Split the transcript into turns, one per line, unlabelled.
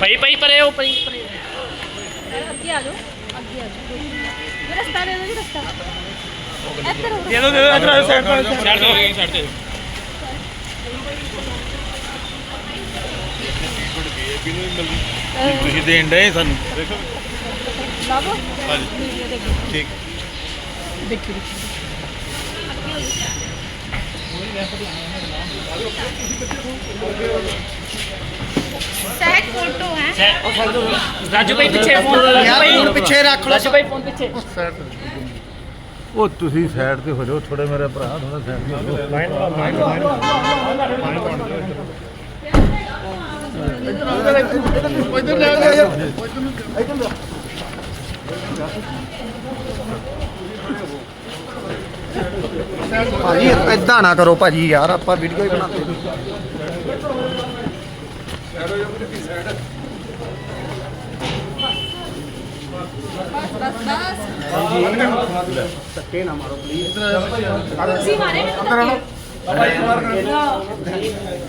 ਭਾਈ ਭਾਈ ਪਰੇ ਉਹ ਭਾਈ ਪਰੇ
ਅੱਗੇ ਆ ਜਾਓ ਅੱਗੇ ਆ ਜਾਓ ਇਹ ਰਸਤਾ ਦੇ ਦਿਓ ਜੀ ਰਸਤਾ ਇੱਧਰ
ਦੇ ਦੋ ਇਧਰ ਸਾਈਡ ਪਰ ਸਾਈਡ ਤੇ ਸਾਈਡ ਤੇ
ਤੁਸੀਂ ਦੇਣ ਡਏ ਸਾਨੂੰ ਦੇਖੋ
ਲਾਵੋ
ਹਾਂਜੀ ਠੀਕ
ਦੇਖੋ ਸਹਿਜ ਫੋਟੋ ਹੈ
ਰਾਜੂ ਭਾਈ ਪਿੱਛੇ ਫੋਨ
ਯਾਰ ਹੁਣ ਪਿੱਛੇ ਰੱਖ ਲਓ
ਰਾਜੂ ਭਾਈ ਫੋਨ ਪਿੱਛੇ
ਉਹ ਤੁਸੀਂ ਸਾਈਡ ਤੇ ਹੋ ਜਾਓ ਥੋੜੇ ਮੇਰੇ ਭਰਾ ਥੋੜਾ ਸਾਈਡ ਤੇ ਹੋ ਜਾਓ
ਭਾਜੀ ਏਦਾਂ ਨਾ ਕਰੋ ਭਾਜੀ ਯਾਰ ਆਪਾਂ ਵੀਡੀਓ ਹੀ ਬਣਾਉਂਦੇ ਧੱਕੇ ਨਾ ਮਾਰੋ ਪਲੀਜ਼
ਤੁਸੀਂ ਮਾਰੇ ਮੈਨੂੰ